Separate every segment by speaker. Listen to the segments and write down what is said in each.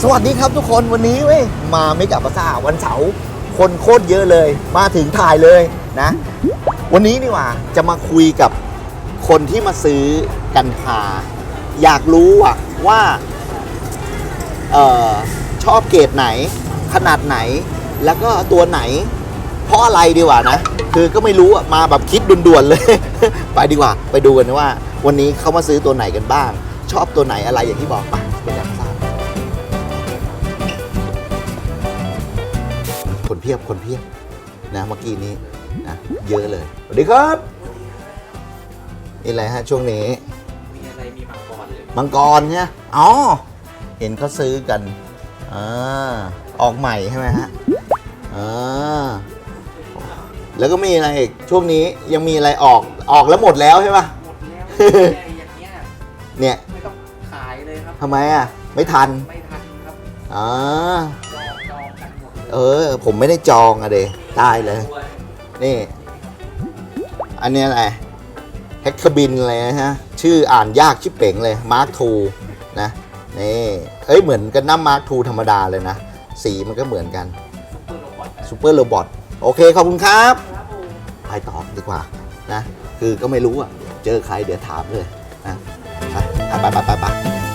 Speaker 1: สวัสดีครับทุกคนวันนี้เว้ยมาเมกะบาซ่าวันเสาร์คนโคตรเยอะเลยมาถึงถ่ายเลยนะวันนี้นี่ว่าจะมาคุยกับคนที่มาซื้อกันพาอยากรู้ว่าชอบเกรดไหนขนาดไหนแล้วก็ตัวไหนเพราะอะไรดีกว่านะคือก็ไม่รู้มาแบบคิดด่วนๆเลย ไปดีกว่าไปดูกันว่าวันนี้เขามาซื้อตัวไหนกันบ้างชอบตัวไหนอะไรอย่างที่บอกไปอยากทราบคนเพียบนะเมื่อกี้นี้นะเยอะเลยสวัสดีครับนี่อะไรฮะช่วงนี้มีอะไรมีมังกรเลยมังกรเนี่ยอ๋อเห็นเขาซื้อกันออกใหม่ใช่ไหมฮะแล้วก็มีอะไรอีกช่วงนี้ยังมีอะไรออกแล้วหมดแล้วใช่ปะหมดแล้วอย่างเงี้ยเนี่ยไม่ต้องขายเลยครับทำไมไม่ทันครับจองกันหมดผมไม่ได้จองเดตายเลยนี่อันนี้อะไรแฮกคาบินอะไรนะฮะชื่ออ่านยากชิบเป๋งเลยมาร์คทูนะนี่เหมือนกันน้ำมาร์คทูธรรมดาเลยนะสีมันก็เหมือนกันซูเปอร์โรบอทโอเคขอบคุณครับไปต่อดีกว่านะคือก็ไม่รู้เจอใครเดี๋ยวถามเลยนะไป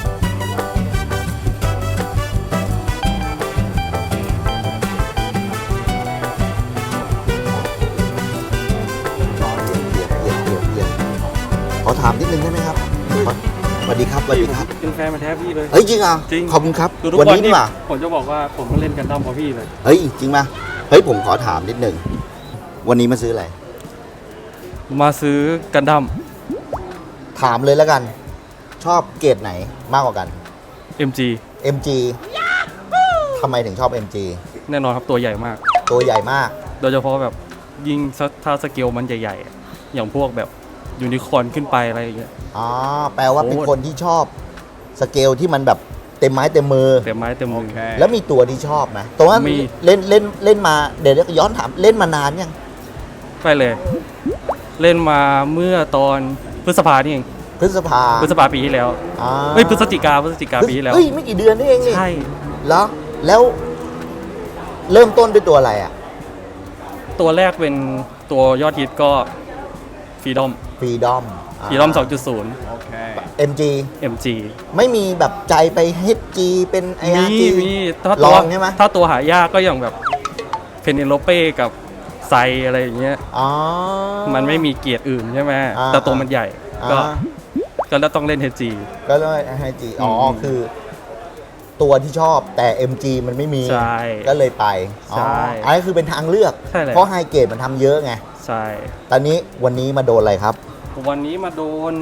Speaker 1: ขอถามนิดนึงได้ไหมครับสวัสดีครับ
Speaker 2: เป็นแฟนมาแท้พี่เลย
Speaker 1: จริงจริงขอบคุณครับ
Speaker 2: วันนี้นี่ผมจะบอกว่าผมเล่นกันดั้มกับพี่เลย
Speaker 1: จริงป่ะผมขอถามนิดนึงวันนี้มาซื้ออะไร
Speaker 2: มาซื้อกันดั้ม
Speaker 1: ถามเลยแล้วกันชอบเกรดไหนมากกว่ากัน MG ทำไมถึงชอบ MG
Speaker 2: แน่นอนครับตัวใหญ่มาก
Speaker 1: โด
Speaker 2: ยเฉพาะแบบยิงถ้าสเกลมันใหญ่ๆอย่างพวกแบบยูนิคอร์นขึ้นไปอะไรอย่างเงี้ย
Speaker 1: แปลว่าเป็นคนที่ชอบสเกลที่มันแบบเต็มไม้เต็มมือแล้วมีตัวที่ชอบไหมตัวว่าเล่นมาเดี๋ยวย้อนถามเล่นมานานยัง
Speaker 2: ไปเลยเล่นมาเมื่อตอนพฤษภานี่เอง
Speaker 1: พฤษภา
Speaker 2: ปีที่แล้วพฤศจิกาปีที่แล้ว
Speaker 1: ไม่กี่เดือนนี่เองนี่
Speaker 2: ใช่
Speaker 1: แล้วเริ่มต้นด้วยตัวอะไร
Speaker 2: ตัวแรกเป็นตัวยอดฮิตก็ฟรีดอม 2.0 โอเค MG
Speaker 1: ไม่มีแบบใจไป HG เป็น IRG
Speaker 2: มี
Speaker 1: ลองใช่ไหม
Speaker 2: ถ้าตัวหายากก็อย่างแบบเพเนโลเป้กับไซอะไรอย่างเงี้ยมันไม่มีเกียรติอื่นใช่ไหมแต่ตัวมันใหญ่ก็ต้องเล่น HG
Speaker 1: ก็เล่น HG คือตัวที่ชอบแต่ MG มันไม่มีก็เลยไปอันนี้คือเป็นทางเลือกเพราะไฮเกรดมันทำเยอะไง
Speaker 2: ใช่
Speaker 1: ตอนนี้วันนี้มาโดนอะไรครับ
Speaker 2: วันนี้มาโดน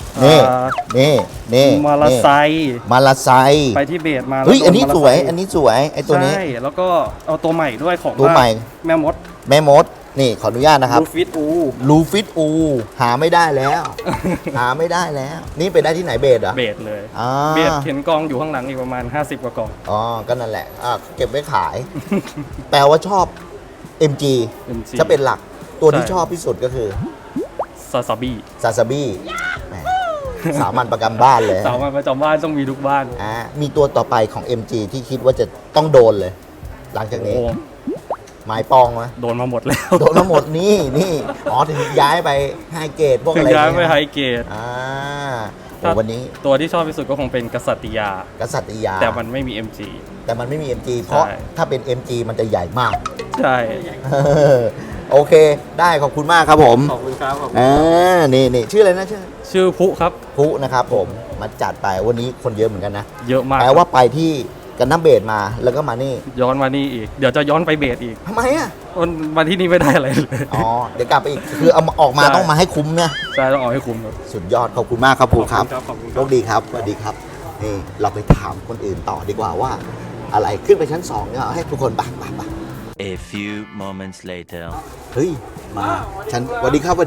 Speaker 1: นี่
Speaker 2: มาลาไซ
Speaker 1: ไป
Speaker 2: ที่เบสมา
Speaker 1: อันนี้สวยไอ้ตัวนี้
Speaker 2: ใช่แล้วก็เอาตัวใหม่ด้วยของ
Speaker 1: ตัวใหม่
Speaker 2: แม่มด
Speaker 1: นี่ขออนุญาตนะครับลูฟิตอูหาไม่ได้แล้ว นี่ไปได้ที่ไหนเบส
Speaker 2: เบสเลยเบสเห็นกองอยู่ข้างหลังอีกประมาณ50กว่ากอง
Speaker 1: ก็นั่นแหละเก็บไว้ขาย แปลว่าชอบ MG จะเป็นหลักตัวที่ชอบที่สุดก็คือ
Speaker 2: ซาซา
Speaker 1: บี้สามัญประจำบ้านเลย
Speaker 2: สามัญประจำบ้านต้องมีทุกบ้าน
Speaker 1: มีตัวต่อไปของ MG ที่คิดว่าจะต้องโดนเลยหลังจากนี้หมายปองไหม
Speaker 2: โดนมาหมดแล้ว
Speaker 1: นี่ถึงย้ายไปไฮเกรดพวกอะไร
Speaker 2: ย้ายไปไฮเกรด
Speaker 1: วันนี้
Speaker 2: ตัวที่ชอบที่สุดก็คงเป็นกษัตริยาแต่มันไม่มี MG
Speaker 1: เพราะถ้าเป็น MG มันจะใหญ่มาก
Speaker 2: ใช่
Speaker 1: โอเคได้ขอบคุณมากครับผม
Speaker 2: ขอบคุณครับ
Speaker 1: นี่ชื่ออะไรนะ
Speaker 2: ชื่อพุครับ
Speaker 1: พุนะครับผมมาจัดไปวันนี้คนเยอะเหมือนกันนะ
Speaker 2: เยอะมาก
Speaker 1: แปลว่าไปที่กันน้ำเบสมาแล้วก็มานี่
Speaker 2: ย้อนมานี่อีกเดี๋ยวจะย้อนไปเบสอีก
Speaker 1: ทำไม
Speaker 2: วันที่นี่ไม่ได้อะไรเลย
Speaker 1: เดี๋ยวกลับไปอีกคือเอาออกมาต้องมาให้คุ้มเนี่ย
Speaker 2: ใช่ต้องออกให้คุ้มครับ
Speaker 1: สุดยอดขอบคุณมากครับพุครับโชคดีครับสวัสดีครับนี่เราไปถามคนอื่นต่อดีกว่าว่าอะไรขึ้นไปชั้น2เนี่ยให้ทุกคนไป
Speaker 3: A few moments later
Speaker 1: มาฉันสวัสดีครับ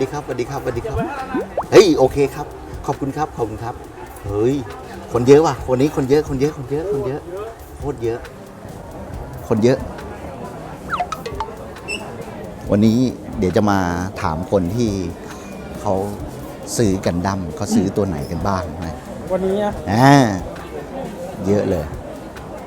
Speaker 1: โอเคครับขอบคุณครับคนเยอะว่ะคนนี้คนเยอะโคตรเยอะวันนี้เดี๋ยวจะมาถามคนที่เขาซื้อกันดั้มเขาซื้อตัวไหนกันบ้างนะ
Speaker 2: วันนี้
Speaker 1: เยอะเลย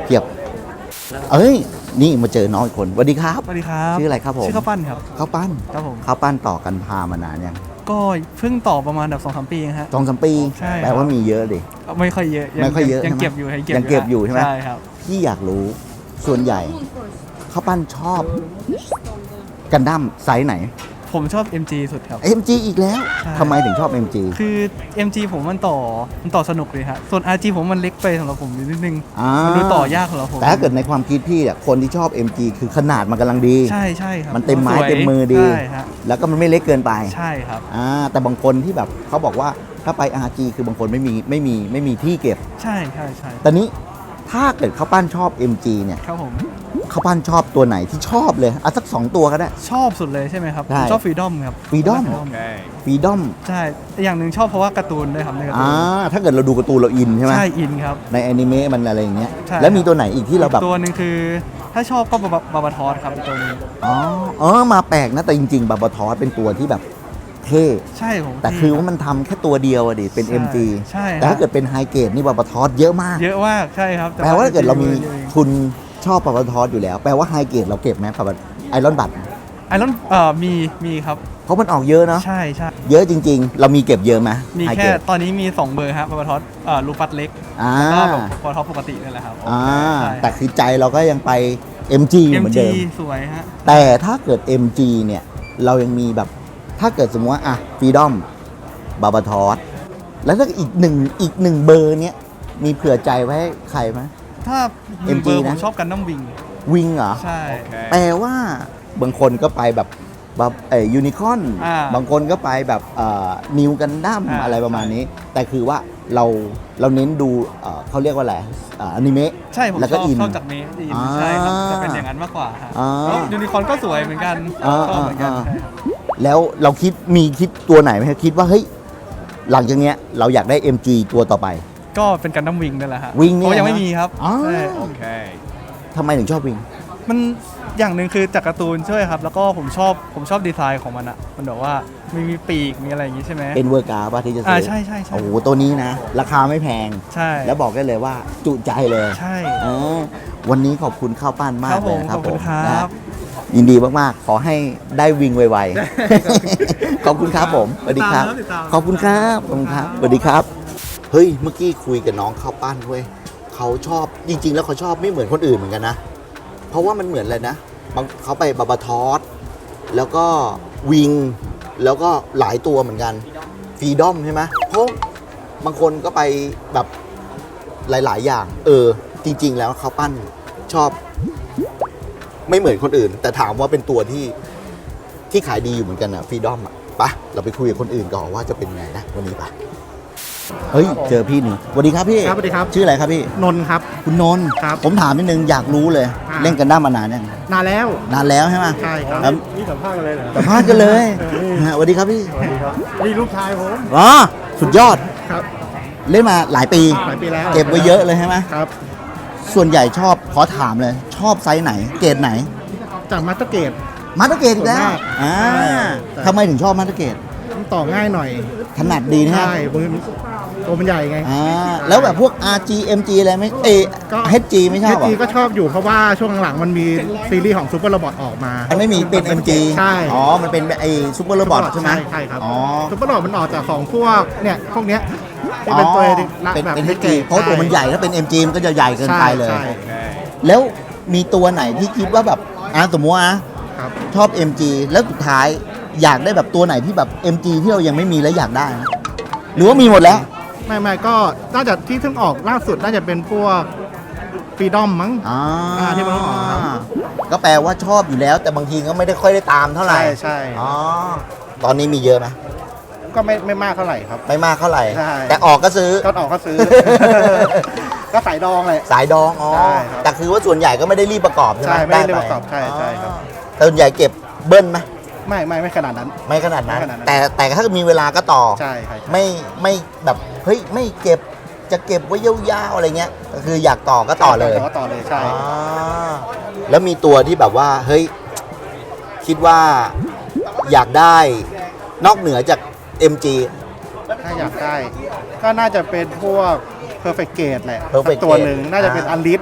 Speaker 1: เพียบเอ้ยนี่มาเจอน้องอีกคนสวัสดีครับ
Speaker 4: สวัสดีครับ
Speaker 1: ชื่ออะไรครับผม
Speaker 4: ชื่อข้าวปั้นครับ
Speaker 1: ข้าวปั้น
Speaker 4: ครับผม
Speaker 1: ข้าวปั้นต่อกันพามานานยัง
Speaker 4: ก็เพิ่งต่อประมาณแบบ2-3 ปีเองฮะ
Speaker 1: 2-3 ปี
Speaker 4: ใช่ครับ
Speaker 1: แปลว่ามีเยอะดิ
Speaker 4: ไม่ค่อยเยอะ
Speaker 1: ไม่ค่อยเยอะ
Speaker 4: ยัง
Speaker 1: ใช่ไหม
Speaker 4: เก็บอยู่
Speaker 1: ยังเก็บอยู่ใช่ไหม
Speaker 4: ใช่ครับ
Speaker 1: พี่อยากรู้ส่วนใหญ่ข้าวปั้นชอบกันดั้มไซส์ไหน
Speaker 4: ผมชอบ MG สุดครับ
Speaker 1: MG อีกแล้ว
Speaker 4: ใช่
Speaker 1: ทำไมถึงชอบ MG
Speaker 4: คือ MG ผมมันต่อสนุกเลยฮะส่วน RG ผมมันเล็กไปสำหรับผมนิดนึง
Speaker 1: อ่า
Speaker 4: มันดูต่อยากสำหรับผม
Speaker 1: แต่ถ้าเกิดในความคิดพี่อะคนที่ชอบ MG คือขนาดมันกำลังดี
Speaker 4: ใช่ใช่ครับ
Speaker 1: มันเต็มไม้
Speaker 4: สวย
Speaker 1: เต็มมือดี
Speaker 4: ใช่ฮะ
Speaker 1: แล้วก็มันไม่เล็กเกินไป
Speaker 4: ใช่ครับ
Speaker 1: แต่บางคนที่แบบเขาบอกว่าถ้าไป RG คือบางคนไม่มีที่เก็บ
Speaker 4: ใช่ใช่ใช่
Speaker 1: แต่นี้ถ้าเกิดข้าวปั้นชอบ MG เนี่ย
Speaker 4: ครับผม
Speaker 1: ข้าวปั้นชอบตัวไหนที่ชอบเลยอ่ะสัก 2 ตัวก็ได้
Speaker 4: ชอบสุดเลยใช่ไหมครับ
Speaker 1: ใช่
Speaker 4: ผมชอบฟรีดอมครับ
Speaker 1: Freedom ฟรีดอม
Speaker 4: ใช่อย่างหนึ่งชอบเพราะว่าการ์ตูนด้วยครับในการ์ตูน
Speaker 1: ถ้าเกิดเราดูการ์ตูนเราอินใช่ไหม
Speaker 4: ใช่อินครับ
Speaker 1: ในแอนิเมะมันอะไรอย่างเงี้ย
Speaker 4: ใช่
Speaker 1: แล้วมีตัวไหนอีกที่เราแบบ
Speaker 4: ตัวหนึ่งคือถ้าชอบก็บาบาทอสครับอีกตัวหนึง
Speaker 1: มาแปลกนะแต่จริงๆบาบาทอสเป็นตัวที่แบบเท่
Speaker 4: ใช่ผม
Speaker 1: แต่คือว่ามันทำแค่ตัวเดียวอะดิเป็น
Speaker 4: ใช่
Speaker 1: MG
Speaker 4: ใช่
Speaker 1: แต่ถ้าเกิดเป็นไฮเกรดนี่บาบาทอสเยอะมาก
Speaker 4: เยอะมากใช่ครับ
Speaker 1: แปลว่าถ้าเกิดเรามี
Speaker 4: เยอะ
Speaker 1: ทุนชอบบาบาทอสอยู่แล้ว แปลว่าไฮเกรดเราเก็บไหมแบบไอรอนบัต
Speaker 4: ไอรอนมีครับ
Speaker 1: เพราะมันออกเยอะเนาะ
Speaker 4: ใช่ใช่
Speaker 1: เยอะจริงๆ เรามีเก็บเยอะไหม
Speaker 4: มี
Speaker 1: ไฮ
Speaker 4: แค่
Speaker 1: เกรด
Speaker 4: ตอนนี้มี2เบอร์ครับบาบาทอสลูปัสเล็ก
Speaker 1: อ่า
Speaker 4: แล้วก็บาบาทอสปกตินี่แหละครับ ใช่
Speaker 1: แต่คือใจเราก็ยังไป MG อยู่เหมือน
Speaker 4: MG
Speaker 1: เดิม
Speaker 4: สวยฮะ
Speaker 1: แต่ถ้าเกิด MG เนี่ย เรายังมีแบบถ้าเกิดสมมติว่าอะฟรีดอมบาบาทอสแล้วถ้าอีกหนึ่งเบอร์เนี้ยมีเผื่อใจไว้ให้ใครไหม
Speaker 4: ถ้าหนึ่ง
Speaker 1: MG
Speaker 4: เบอร์ผ
Speaker 1: นะ
Speaker 4: มชอบกันน้ำวิง
Speaker 1: วิงเหรอ
Speaker 4: ใช่
Speaker 1: แปลว่าบางคนก็ไปแบบยูนิคอน บางคนก็ไปแบบนิวกันดั้มอะไรประมาณนี้ แต่คือว่าเราเน้นดูเขาเรียกว่าอะไรอนิเมะ
Speaker 4: ใช่ผม
Speaker 1: แล้ว
Speaker 4: ช
Speaker 1: ก็
Speaker 4: อบ
Speaker 1: อิน
Speaker 4: ชอบจากเมสอิน
Speaker 1: อ่า
Speaker 4: ใช่ครับจะเป็นอย่างนั้นมากกว่าฮะ
Speaker 1: อ่า
Speaker 4: แล้วยูนิคอร์นก็สวยเหมือนกันชอบเหมือนกันใช่ครับ
Speaker 1: แล้วเราคิดตัวไหนไหมครับคิดว่าเฮ้ยหลังจากเนี้ยเราอยากได้ MG ตัวต่อไป
Speaker 4: ก็เป็นกันน้ำวิงนั่นแหละฮะ
Speaker 1: วิงเนี่ย
Speaker 4: เพราะยัง
Speaker 1: นะ
Speaker 4: ไม่มีครับ
Speaker 1: อ๋อ
Speaker 4: ใช่
Speaker 1: ทำไมถึงชอบวิง
Speaker 4: มันอย่างหนึ่งคือจากการ์ตูนช่วยครับ แล้วก็ผมชอบดีไซน์ของมันอะมันแบบว่ามีปีกมีอะไรอย่างงี้ใช่ไหม
Speaker 1: เป็นเวอร์กาป่ะที่จะซื้อ
Speaker 4: ใช่ใช่
Speaker 1: โอ้โหตัวนี้นะ ราคาไม่แพง
Speaker 4: ใช่
Speaker 1: แล้วบอกได้เลยว่าจุใจเลย
Speaker 4: ใช่
Speaker 1: เออวันนี้ขอบคุณข้าวปั้นมา
Speaker 4: ครั
Speaker 1: ก
Speaker 4: บ
Speaker 1: เล
Speaker 4: ผ
Speaker 1: ย
Speaker 4: ม
Speaker 1: นะครับ
Speaker 4: ขอบคุณ
Speaker 1: ผม
Speaker 4: ครับ
Speaker 1: นะยินดีมากๆ ขอให้ได้วิงไวๆ ขอบคุณครับผมสวัสดีครับ
Speaker 4: ติดตาม
Speaker 1: ขอบคุณครับขอบคุณครับสวัสดีครับ เฮ้ยเมื่อกี้คุยกับน้องข้าวปั้นเว้ยเขาชอบจริง ๆ แล้วเขาชอบไม่เหมือนคนอื่นเหมือนกันนะ เพราะว่ามันเหมือนอะไรนะบางเขาไปบาบาทอสแล้วก็วิงแล้วก็หลายตัวเหมือนกันฟรีดอมใช่ไหมเพราะบางคนก็ไปแบบหลาย ๆ อย่าง จริง ๆ แล้วเขาปั้นชอบไม่เหมือนคนอื่น แต่ถามว่าเป็นตัวที่ขายดีอยู่เหมือนกันอะฟรีดอมอะไปะเราไปคุยกับคนอื่นก่อนว่าจะเป็นไงนะวันนี้ปะเฮ้ยเจอพี่หนึ่งสวัสดีครับพี่
Speaker 5: ครับสวัสดีครับ
Speaker 1: ชื่ออะไรครับพี่
Speaker 5: นนท์ครับ
Speaker 1: คุณนนท์
Speaker 5: ครับ
Speaker 1: ผมถามนิดนึงอยากรู้เลย เล่นกันด้ามมานานยัง
Speaker 5: นานแล้ว
Speaker 1: นานแล้วใช่ไหม
Speaker 5: ใช่ครับ
Speaker 1: แล้ว
Speaker 5: นี่สัมภาษณ์กันเลยเหรอ
Speaker 1: สัมภาษณ์กันเลยสวัสดีครับพี่
Speaker 5: นี่ลูกชายผม
Speaker 1: อ๋อสุดยอด
Speaker 5: ครับ
Speaker 1: เล่นมาหลายปี
Speaker 5: หลายปีแล้ว
Speaker 1: เก็บไว้เยอะเลยใช่ไหม
Speaker 5: ครับ
Speaker 1: ส่วนใหญ่ชอบขอถามเลย ชอบไซส์ไหน เกรดไหน
Speaker 5: จากมาสเตอร์เกต
Speaker 1: มาสเตอร์เกรดอีกแล้ว
Speaker 5: ส่วนมาก ใช่
Speaker 1: ทำไมถึงชอบมาสเตอร์เกรด
Speaker 5: มันต่อง่ายหน่อย
Speaker 1: ถนัดดีนะฮะ
Speaker 5: ใช่มือตัวมันใหญ่ไง
Speaker 1: แล้วแบบพวก RG MG อะไรไหม
Speaker 5: ก็
Speaker 1: HG ไม่ชอบ
Speaker 5: เอ
Speaker 1: เหร
Speaker 5: จี
Speaker 1: อ
Speaker 5: ก็ชอบอยู่เพราะว่าช่วงหลังมันมีซีรีส์ของซูเปอร์โรบอทออกมา
Speaker 1: มันไม่มีเป็น MG
Speaker 5: ใช่
Speaker 1: อ๋อ มันเป็นไอ้ซูเปอร์โรบอทใช่ไหม
Speaker 5: ใช่ครับ
Speaker 1: อ๋อ
Speaker 5: ซูเปอร์โรบอทมันออกจากของพวกเนี่ยพวกเนี้ยที่เป็นตัว
Speaker 1: เป็น
Speaker 5: แบบ
Speaker 1: HG เพราะตัวมันใหญ่ถ้าเป็น MG มันก็จะใหญ่เกินไปเลย
Speaker 5: ใช่
Speaker 1: แล้วมีตัวไหนที่คิดว่าแบบสมมติว่านะครับ ชอบ MG แล้วสุดท้ายอยากได้แบบตัวไหนที่แบบ MG ที่เรายังไม่มีแล้วอยากได้นะหรือว่ามีหมดแล้ว
Speaker 5: ไม่ก็น่าจะที่เพิ่งออกล่าสุดน่าจะเป็นพวกฟรีดอมมั้ง ที่มันต้องออกครับ
Speaker 1: ก็แปลว่าชอบอยู่แล้ว แต่บางทีก็ไม่ได้ค่อยได้ตามเท่าไหร่
Speaker 5: ใช่
Speaker 1: อ๋อตอนนี้มีเยอะไหม
Speaker 5: ก็ไม่มากเท่าไหร่ครับ
Speaker 1: ไม่มากเท่าไหร่
Speaker 5: ใช่
Speaker 1: แต่ออกก็ซื้อ
Speaker 5: ก็ออกก็ซื้อ ก็สายดองเลย
Speaker 1: สายดองอ๋อ
Speaker 5: ใช่ครับ
Speaker 1: แต่คือว่าส่วนใหญ่ก็ไม่ได้รีบประกอบใช่ไหม
Speaker 5: ใช่ไม่ได้รีบ
Speaker 1: ป
Speaker 5: ประกอบใช่ครับ
Speaker 1: แต่ส่วนใหญ่เก็บเบิ้ลไหม
Speaker 5: ไม่ขนาดนั้น
Speaker 1: ไม่ขนาดนั้น
Speaker 5: ไม่ขนาดนั้น
Speaker 1: แต่ถ้ามีเวลาก็ต่อ
Speaker 5: ใช่
Speaker 1: ไม่แบบเฮ้ยไม่เก็บจะเก็บไว้ยาวๆอะไรเงี้ยก็คืออยากต่อก็ต่อเลย
Speaker 5: ก็ต่อเลยใช่
Speaker 1: อ๋อแล้วมีตัวที่แบบว่าเฮ้ยคิดว่าอยากได้นอกเหนือจาก MG
Speaker 5: ถ้าอยากได้ ก็น่าจะเป็นพวก Perfect Gate แหละ
Speaker 1: Perfect
Speaker 5: ตัว
Speaker 1: Gate
Speaker 5: หนึ่งน่าจะเป็นอันลิสอ่ะ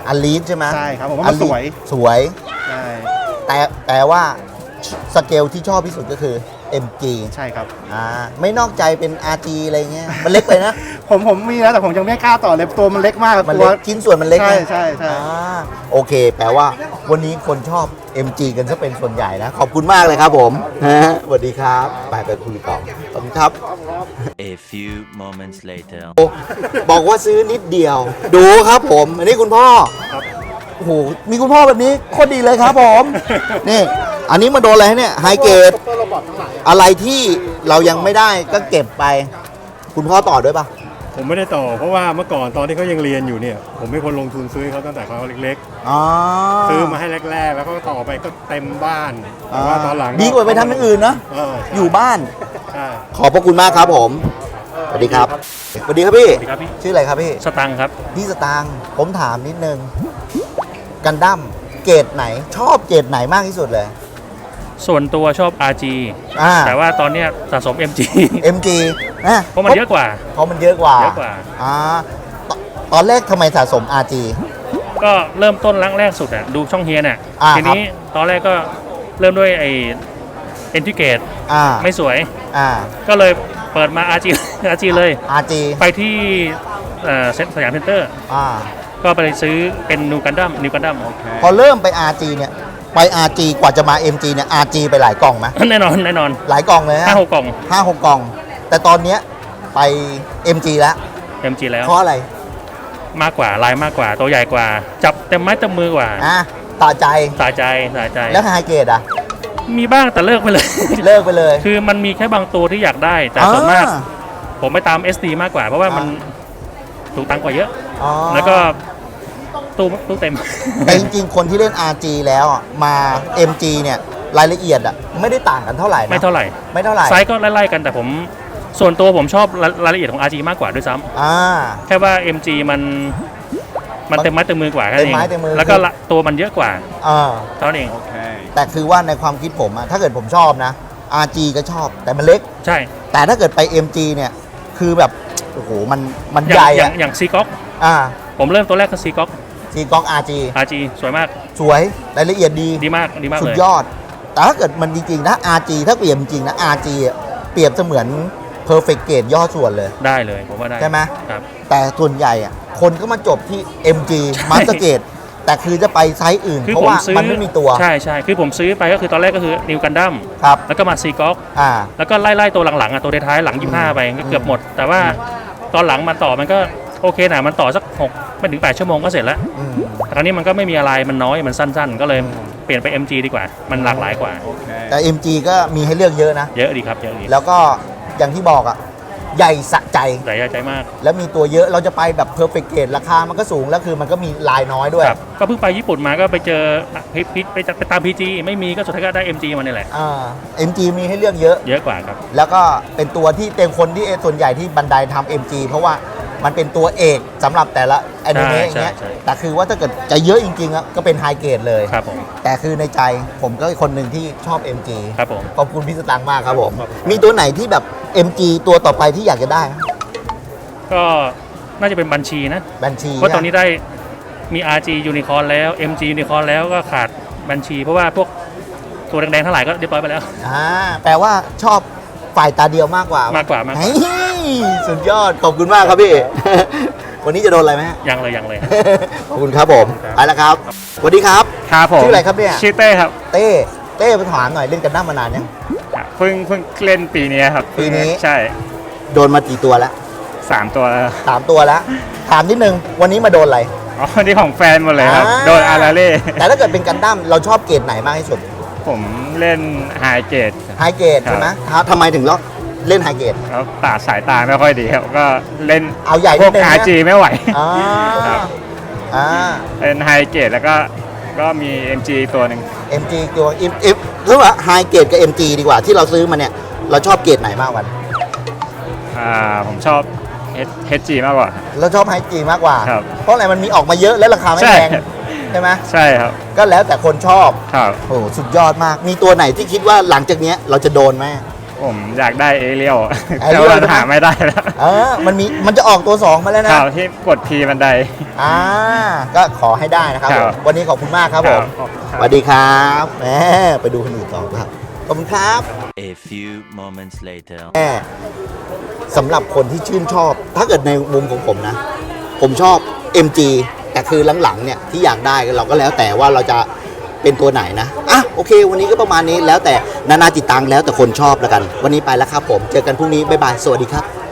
Speaker 1: อันลีดใช่ไหม
Speaker 5: ใช่ครับผมว่ามันสวย
Speaker 1: สวย
Speaker 5: ใช่
Speaker 1: แต่ว่าสเกลที่ชอบที่สุดก็คือ MG
Speaker 5: ใช่ครับ
Speaker 1: ไม่นอกใจเป็น RG อะไรเงี้ยมันเล็กไปนะ
Speaker 5: ผมมีนะแต่ผมยังไม่กล้าต่อเลยตัวมันเล็กมาก
Speaker 1: มัน
Speaker 5: ตั
Speaker 1: เล็
Speaker 5: ว
Speaker 1: กชิ้นส่วนมันเล็ก
Speaker 5: ใช่
Speaker 1: นะ
Speaker 5: ใช่ใช่
Speaker 1: โอเค แปลว่าวันนี้คนชอบ MG กันซะเป็นส่วนใหญ่นะ ขอบคุณมากเลยครับผมสวัสดีครับไปคุยต่อขอบคุณครับ
Speaker 3: A few moments later.
Speaker 1: บอกว่าซื้อนิดเดียว ดูครับผม อันนี้คุณพ่อโอ้โหมีคุณพ่อแบบนี้โคตรดีเลยครับผม นี่ อันนี้มาโดนอะไรเนี่ยไฮเกรดอะไรที่เรายังไม่ได้ก็เก็บไป คุณพ่อต่อด้วยปะ
Speaker 6: ผมไม่ได้ต่อเพราะว่าเมื่อก่อนตอนที่เขายังเรียนอยู่เนี่ยผมเป็นคนลงทุนซื้อเขาตั้งแต่เขาเล็ก
Speaker 1: อ๋อ
Speaker 6: ๆ ซื้อมาให้แรกๆ แล้วก็ต่อไปก็เต็มบ้านแต่ว่าตอนหลัง
Speaker 1: ดีกว่าไปทำอย่างอื่นนะ
Speaker 6: ใช่
Speaker 1: อยู่บ้าน
Speaker 6: ใช่
Speaker 1: ขอบพระคุณมากครับผม สวัสดีครับ สวัสดีครับพี่
Speaker 2: สวัสดีครับพี่
Speaker 1: ชื่ออะไรครับพี่
Speaker 2: สตังค์ครับ
Speaker 1: พี่สตางค์ผมถามนิดนึง กันดั้มเกรดไหน ชอบเกรดไหนมากที่สุดเลย
Speaker 2: ส่วนตัวชอบ RG แต่ว่าตอนเนี้ยสะสม MG
Speaker 1: MG นะ
Speaker 2: เพราะมันเยอะกว่า
Speaker 1: เพราะมันเยอะกว่า
Speaker 2: เยอะกว่า
Speaker 1: ตอนแรกทำไมสะสม RG
Speaker 2: ก็เริ่มต้นแรกสุดอะดูช่องเฮียน่ะ
Speaker 1: อ่า
Speaker 2: ทีนี้ตอนแรกก็เริ่มด้วยไอ้เอนทิเกต
Speaker 1: อ่า
Speaker 2: ไม่สวย
Speaker 1: อ่า
Speaker 2: ก็เลยเปิดมา RG RG เลย
Speaker 1: RG
Speaker 2: ไปที่สยามเซ็นเตอร์
Speaker 1: อ่า
Speaker 2: ก็ไปซื้อเป็นนิวกันดั้ม
Speaker 1: พอเริ่มไป RG เนี่ย ไป RG กว่าจะมา MG เนี่ย RG ไปหลายกล่องไหม
Speaker 2: แน่นอน
Speaker 1: หลายกล่องเลยฮะ
Speaker 2: 5-6 กล่อง
Speaker 1: 5-6 กล่อง แต่ตอนเนี้ยไป MG แล้ว
Speaker 2: MG แล้ว
Speaker 1: เพราะอะไร
Speaker 2: มากกว่าลายมากกว่าตัวใหญ่กว่า จับเต็มไม้เต็มมือกว่า
Speaker 1: ต่อใจ
Speaker 2: สาใจ
Speaker 1: แล้วไฮเกรดอ่ะ
Speaker 2: มีบ้างแต่เลิกไปเลย
Speaker 1: เลิกไปเลย
Speaker 2: คือมันมีแค่บางตัวที่อยากได้ แต่ส่วนมาก ผมไปตาม SD มากกว่า เพราะว่ามันถูกตังค์กว่าเยอะ
Speaker 1: อ๋อ
Speaker 2: แล้วก็ตู้เต็ม
Speaker 1: แต่จริงๆ คนที่เล่น RG แล้วอ่ะมา MG เนี่ยรายละเอียดอ่ะไม่ได้ต่างกันเท่าไหร่นะ
Speaker 2: ไม่เท่าไหร่
Speaker 1: ไม่เท่าไหร่
Speaker 2: ไซส์ก็ไล่ๆกันแต่ผมส่วนตัวผมชอบรายละเอียดของ RG มากกว่าด้วยซ้ำ
Speaker 1: อ่า
Speaker 2: แค่ว่า MG มันเต็มไม้เต็มมือกว่าแค่นั้นเอ
Speaker 1: เต็ม
Speaker 2: ง
Speaker 1: ไม้เต็มมือ
Speaker 2: แล้วก็ตัวมันเยอะกว่า
Speaker 1: อ่า
Speaker 2: เท่านั้นเอง
Speaker 1: แต่คือว่าในความคิดผมอะถ้าเกิดผมชอบนะ RG ก็ชอบแต่มันเล็ก
Speaker 2: ใช่
Speaker 1: แต่ถ้าเกิดไป MG เนี่ยคือแบบโอ้โหมัน
Speaker 2: อย่า
Speaker 1: ใหญ่
Speaker 2: งอย่า
Speaker 1: อะ
Speaker 2: งอย่างซีก๊อก
Speaker 1: อ่า
Speaker 2: ผมเริ่มตัวแรกก็ซีก๊อก
Speaker 1: ซีกล้อง RG
Speaker 2: RG สวยมาก
Speaker 1: สวยรายละเอียดดี
Speaker 2: ดีมาก
Speaker 1: สุด
Speaker 2: เลย
Speaker 1: ยอด แต่ถ้าเกิดมันจริงๆนะ RG ถ้าเปรียบจริงๆนะ RG อะเปรียบเสมือน perfect grade ย่อส่วนเลย
Speaker 2: ได้เลยผมว่าได้
Speaker 1: ใช่ไหม
Speaker 2: ครับ
Speaker 1: แต่ส่วนใหญ่อะคนก็มาจบที่ MG Master Grade แต่คือจะไปไซส์อื่น
Speaker 2: คือ
Speaker 1: เพราะ
Speaker 2: ผม
Speaker 1: ว่า
Speaker 2: ซื้อ
Speaker 1: มันไม่มีตัว
Speaker 2: ใช่คือผมซื้อไปก็คือตอนแรกก็คือนิวกันดั้ม
Speaker 1: ครับ
Speaker 2: แล้วก็มาซีก๊อก
Speaker 1: อ่า
Speaker 2: แล้วก็ไล่ตัวหลังๆอ่ะตัวท้ายๆหลัง 25 ไปก็เกือบหมด แต่ว่าตอนหลังมันต่อมันก็โอเคนะมันต่อสัก6ไม่ถึง8ชั่วโมงก็เสร็จแล้ว
Speaker 1: อืม
Speaker 2: แต่คราวนี้มันก็ไม่มีอะไรมันน้อยมันสั้นๆ ก็เลยเปลี่ยนไป MG ดีกว่า มันหลากหลายกว่า
Speaker 1: แต่ MG ก็มีให้เลือกเยอะนะ
Speaker 2: เยอะดีครับเยอะดี
Speaker 1: แล้วก็อย่างที่บอกอะใหญ่สะใจ
Speaker 2: ใหญ่ใจมาก
Speaker 1: แล้วมีตัวเยอะเราจะไปแบบ perfect grade ราคามันก็สูง แล้วคือมันก็มีลายน้อยด้วย
Speaker 2: ครับก็เพิ่งไปญี่ปุ่นมาก็ไปเจอไปตาม PG ไม่มีก็สุดท้ายก็ได้ MG มานี่แหละ
Speaker 1: MG มีให้เลือกเยอะ
Speaker 2: เยอะกว่าครับ
Speaker 1: แล้วก็เป็นตัวที่เต็มคนที่ส่วนใหญ่ที่บันไดทำ MG เพราะว่ามันเป็นตัวเอกสำหรับแต่ละแอนิเมะอย่างเงี้ย
Speaker 2: ใช่
Speaker 1: แต่คือว่าถ้าเกิดจะเยอะจริงๆอะก็เป็นไฮเกรดเลย
Speaker 2: ครับผม
Speaker 1: แต่คือในใจผมก็คนหนึ่งที่ชอบ MG
Speaker 2: ครับผม
Speaker 1: ขอบคุณพี่สตังค์มากครับผม มีตัวไหนที่แบบ MG ตัวต่อไปที่อยากจะได้ไหม
Speaker 2: ก็น่าจะเป็นบัญชีนะ
Speaker 1: บัญชี
Speaker 2: เพราะตอนนี้ได้มี RG Unicorn แล้ว MG Unicorn แล้วก็ขาดบัญชี เพราะว่าพวกตัวแดงๆทั้งหลายก็เรียบร้อยไปแล้ว
Speaker 1: แปลว่าชอบฝ่ายตาเดียวมากกว่าม
Speaker 2: ากกว่า
Speaker 1: เฮ้ยสุดยอด ขอบคุณมากครับพี่ วันนี้จะโดนอะไรไหมฮะ
Speaker 2: ยังเลย
Speaker 1: ขอบคุณครับผมไปแล้วครับสวัสดีครับ
Speaker 7: ครับผม
Speaker 1: ชื่ออะไรครับเนี่ย
Speaker 7: ชื่อเต้ครับ
Speaker 1: เต้มาถามหน่อยเล่นกันด้ามมานานยัง
Speaker 7: เพิ่งเล่นปีนี้ครับ
Speaker 1: ปีนี้
Speaker 7: ใช่
Speaker 1: โดนมากี่ตัวแล้ว
Speaker 7: 3 ตัวแล้ว
Speaker 1: 3 ตัวแล้ว ถามนิดนึงวันนี้มาโดนอะไร
Speaker 7: อ๋อนี่ของแฟนหมดเลยครับ
Speaker 1: อ่า
Speaker 7: โดนอาราเล่
Speaker 1: แต่ถ้าเกิดเป็นกันด้ามเราชอบเกรดไหนมากที่สุด
Speaker 7: ผมเล่นไฮเกต
Speaker 1: ไฮเกรดใช่ไหมทำไมถึงเล่นไฮเกรด
Speaker 7: แล้วสายตาไม่ค่อยดีครับ ก็เล่น
Speaker 1: เอาใหญ่
Speaker 7: พ
Speaker 1: นิ
Speaker 7: ว
Speaker 1: ด
Speaker 7: ก
Speaker 1: นึงนะ
Speaker 7: RG ไม่ไหว
Speaker 1: อ่า
Speaker 7: ครับ
Speaker 1: อ่า
Speaker 7: เล่นไฮเกตแล้วก็มี MG ตัวหนึ่ง
Speaker 1: MG ตัวหรือว่าไฮเกรดกับ MG ดีกว่าที่เราซื้อมาเนี่ยเราชอบเกรดไหนมากกว่า
Speaker 7: ผมชอบ HG มากกว่า
Speaker 1: เราชอบไฮจีมากกว่า
Speaker 7: ครับ
Speaker 1: เพราะอะไรมันมีออกมาเยอะแล้วราคาไม่
Speaker 7: ใช่
Speaker 1: แพงใช่ไหม
Speaker 7: ใช่ครับ
Speaker 1: ก็แล้วแต่คนชอบ
Speaker 7: ครับ
Speaker 1: โอ้สุดยอดมาก มีตัวไหนที่คิดว่าหลังจากเนี้ยเราจะโดนไหม
Speaker 7: โอ้ผมอยากได้เอเรียล
Speaker 1: เอ
Speaker 7: แต่
Speaker 1: เรียล
Speaker 7: ว่า
Speaker 1: ใช่ไหม
Speaker 7: หาไม่ได้แล้ว
Speaker 1: มันจะออกตัว 2 มาแล้วนะ
Speaker 7: ข่าวที่กดพีบันได
Speaker 1: ก็ขอให้ได้นะครับ
Speaker 7: ค
Speaker 1: ผ
Speaker 7: รับ
Speaker 1: มวันนี้ขอบคุณมากครับผม สวัสดีครับแหมไปดูคนอื่นต่อครับ ขอบคุณครับ
Speaker 3: A few moments later.
Speaker 1: สำหรับคนที่ชื่นชอบ ถ้าเกิดในมุมของผมนะ ผมชอบ MG แต่คือหลังๆเนี่ยที่อยากได้เราก็แล้วแต่ว่าเราจะเป็นตัวไหนนะโอเค วันนี้ก็ประมาณนี้แล้วแต่นานาจิตตังแล้วแต่คนชอบแล้วกัน วันนี้ไปแล้วครับผมเจอกันพรุ่งนี้บ๊ายบายสวัสดีครับ